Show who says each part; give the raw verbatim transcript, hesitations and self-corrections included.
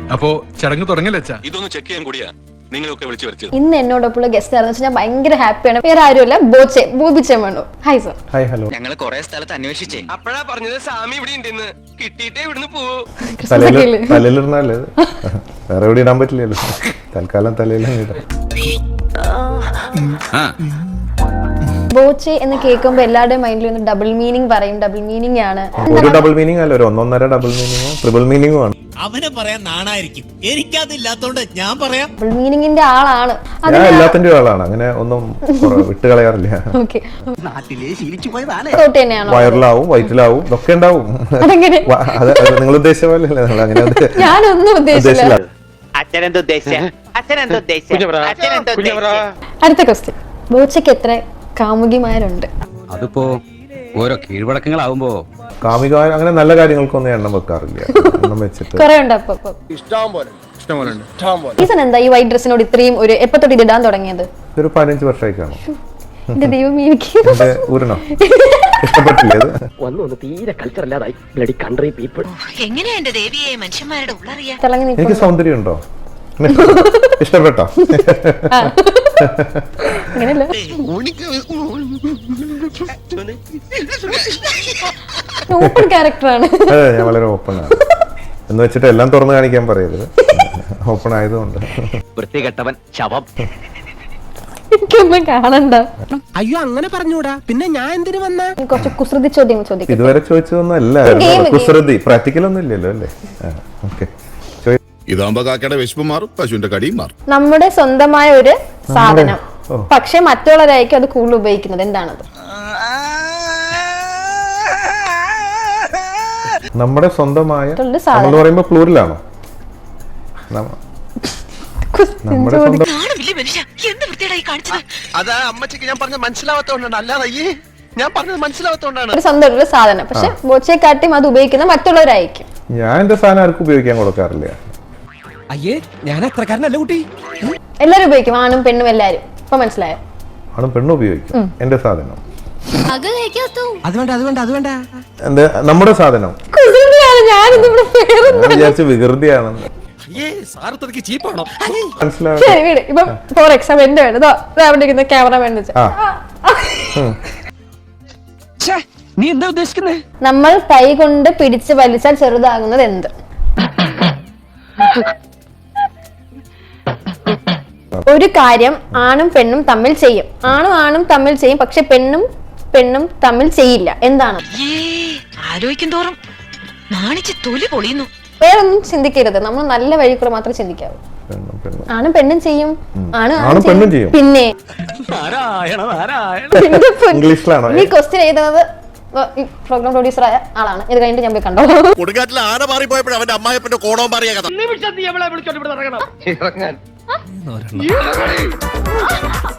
Speaker 1: അപ്പോ ചടങ്ങ് തുടങ്ങല്ലേ അച്ഛാ?
Speaker 2: ഇതൊന്ന് ചെക്ക് ചെയ്യാൻ കൂടിയാ നിങ്ങളൊക്കെ വിളിച്ചു വരുത്തിയത്.
Speaker 3: ഇന്ന് എന്നോടൊപ്പമുള്ള ഗസ്റ്റ് ആണെന്ന് ഞാൻ ഭയങ്കര ഹാപ്പിയാണ്. വേറെ ആരുമല്ല, ബോച്ചെ ബോബിച്ചേമണ്ണു. Hi sir.
Speaker 4: Hi hello.
Speaker 5: ഞങ്ങൾ കുറെ സ്ഥലത്ത് അന്വേഷിച്ചേ.
Speaker 2: അപ്പഴാ പറഞ്ഞത് സാമി ഇവിടെ ഉണ്ടെന്ന്. കിട്ടിയിട്ടേ ഇവിടുന്ന് പോവൂ.
Speaker 4: തലയിലിരുന്നാല് വേറെ എവിടെ ഇടാൻ പറ്റില്ലല്ലോ. തൽക്കാലം തലയിലും ഇടാം.
Speaker 3: ബോച്ചെ എന്ന് കേൾക്കുമ്പോ എല്ലാവരുടെയും മൈൻഡിൽ ഒന്ന് ഡബിൾ മീനിങ് പറയും. ഡബിൾ മീനിങ് ആണ്.
Speaker 4: ഒരു ഡബിൾ മീനിങ് അല്ല, ഒരു ഒന്നൊന്നര ഡബിൾ മീനിങ്ങോ ട്രിപ്പിൾ മീനിങ്ങോ ആണ്.
Speaker 6: അവനെ പറയാൻ നാണായിരിക്കും, എനിക്കതില്ലാത്തോണ്ട് ഞാൻ പറയാം.
Speaker 3: ഡബിൾ മീനിങ്ങിന്റെ ആളാണ്.
Speaker 4: ഞാൻ എല്ലാത്തിന്റെ ആളാണ്, അങ്ങനെ ഒന്നും വിട്ട് കളയാറില്ല. വയറിലാവും വയറ്റിലാവും ഇതൊക്കെ ഉണ്ടാവും. നിങ്ങൾ ഉദ്ദേശിച്ച പോലെ അല്ലേ? അങ്ങനെ
Speaker 3: ഞാനൊന്നും ഉദ്ദേശിച്ചില്ല. അടുത്ത ക്വസ്റ്റ്യൻ, ബോച്ചയ്ക്ക് എത്ര കാമുകിമാരുണ്ട്?
Speaker 7: അതിപ്പോ ഓരോ കീഴ്വഴക്കങ്ങളാവുമ്പോ
Speaker 4: കാമിക അങ്ങനെ നല്ല കാര്യങ്ങൾക്കൊന്നും എണ്ണം വെക്കാറില്ല. എണ്ണം വെച്ചിട്ട്
Speaker 3: കുറെ ഉണ്ട്. അപ്പൊ റീസൺ എന്താ ഈ വൈറ്റ് ഡ്രസ്സിനോട് ഇത്രയും ഒരു എപ്പോ തൊട്ട് ഇത് ഇടാൻ തുടങ്ങിയത്?
Speaker 4: ഒരു പതിനഞ്ച് വർഷമായി കാണും.
Speaker 3: എന്റെ ദൈവം,
Speaker 4: ഊരണോ ഇഷ്ടപ്പെട്ടില്ലേ? എനിക്ക് സൗന്ദര്യം ഉണ്ടോ? ഇഷ്ടപ്പെട്ടോ?
Speaker 3: അങ്ങനെയല്ല, ഓപ്പൺ ക്യാരക്ടറാണ്.
Speaker 4: അതെ, ഞാൻ വളരെ ഓപ്പൺ ആണ് എന്ന് വെച്ചിട്ട് എല്ലാം തുറന്നു കാണിക്കാൻ പറയരുത്. ഓപ്പൺ ആയതുകൊണ്ട്.
Speaker 5: വൃത്തികെട്ടവൻ ശവം.
Speaker 3: എനിക്കൊന്നും കാണണ്ട.
Speaker 6: അയ്യോ അങ്ങനെ പറഞ്ഞൂടാ, പിന്നെ ഞാൻ എന്തിനു വന്ന?
Speaker 3: കുറച്ച് കുസൃതി ചോദ്യം ചോദിക്കും.
Speaker 4: ഇതുവരെ ചോദിച്ചതൊന്നും അല്ല കുസൃതി. പ്രാക്ടിക്കൽ ഒന്നും ഇല്ലല്ലോ അല്ലേ? ഓക്കെ.
Speaker 8: ഇതാകുമ്പോ കാക്കയുടെ വിശപ്പ് മാറും, പശുവിന്റെ കടിയും മാറും.
Speaker 3: നമ്മുടെ സ്വന്തമായ ഒരു സാധനം, പക്ഷെ മറ്റുള്ളവരായിരിക്കും അത് കൂടുതൽ ഉപയോഗിക്കുന്നത്. എന്താണത്?
Speaker 4: നമ്മുടെ സ്വന്തമായ നമ്മൾ പറയുമ്പോ പ്ലൂറലാണോ? നമ്മുടെ സ്വന്തം.
Speaker 2: അതാ അമ്മച്ചിക്ക് ഞാൻ പറഞ്ഞത് മനസ്സിലാവാത്തോണ്ടാണ്, അല്ലാതെ ഞാൻ പറഞ്ഞത് മനസ്സിലാവാത്തോണ്ടാണ്.
Speaker 3: ഒരു സ്വന്തം ഒരു സാധനം, പക്ഷെ ബോച്ചയെക്കാട്ടിയും അത് ഉപയോഗിക്കുന്ന മറ്റുള്ളവരായിരിക്കും.
Speaker 4: ഞാൻ എന്റെ സാധനം ആർക്കും ഉപയോഗിക്കാൻ കൊടുക്കാറില്ല.
Speaker 6: അയ്യേ, ഞാൻ അത്രക്കാരനല്ല കുട്ടി.
Speaker 3: എല്ലാരും ഉപയോഗിക്കും, ആണും പെണ്ണും എല്ലാരും. ഇപ്പൊ മനസ്സിലായോ?
Speaker 4: ആണും പെണ്ണും ഉപയോഗിക്കും എന്റെ സാധനം.
Speaker 6: അത് വേണ്ട അത് വേണ്ട അത് വേണ്ട
Speaker 4: എന്താ നമ്മുടെ സാധനം?
Speaker 3: ഞാനിവിടെ
Speaker 4: വിചാരിച്ച വികൃതിയാണെന്ന്.
Speaker 3: മനസ്സിലാവും. ഇപ്പൊ ഫോർ എക്സാമ്പിൾ എന്റെ വേണം ക്യാമറ
Speaker 6: നീ എന്താ ഉദ്ദേശിക്കുന്നത്?
Speaker 3: നമ്മൾ കൈ കൊണ്ട് പിടിച്ച് വലിച്ചാൽ ചെറുതാകുന്നത് എന്ത്? ഒരു കാര്യം ആണും പെണ്ണും തമ്മിൽ ചെയ്യും. ആണും ആണും തമ്മിൽ ചെയ്യും, പക്ഷെ പെണ്ണും പെണ്ണും തമ്മിൽ ചെയ്യില്ല. എന്താണ്?
Speaker 9: ആലോചിക്കും തോറും നാണിച്ച് തൊലി പൊളിയുന്നു.
Speaker 3: വേറൊന്നും ചിന്തിക്കരുത്, നമ്മൾ നല്ല വഴി കൂടെ മാത്രമേ ചിന്തിക്കാവൂ. ആണും പെണ്ണും ചെയ്യും, ആണ്
Speaker 4: ആണും പെണ്ണും ചെയ്യും.
Speaker 3: പിന്നെ
Speaker 4: ഇംഗ്ലീഷിലാണോ
Speaker 3: ഈ ക്വസ്റ്റ്യൻ എഴുതുന്നത്? ഈ പ്രോഗ്രാം പ്രൊഡ്യൂസർ ആയ ആളാണ്. ഇത് കഴിഞ്ഞിട്ട് ഞാൻ പോയി കണ്ടോ.
Speaker 8: കൊടുങ്കാറ്റിൽ ആന മാറിപ്പോയപ്പോഴും അവന്റെ അമ്മായപ്പന്റെ കോണവും മാറിയ കഥ.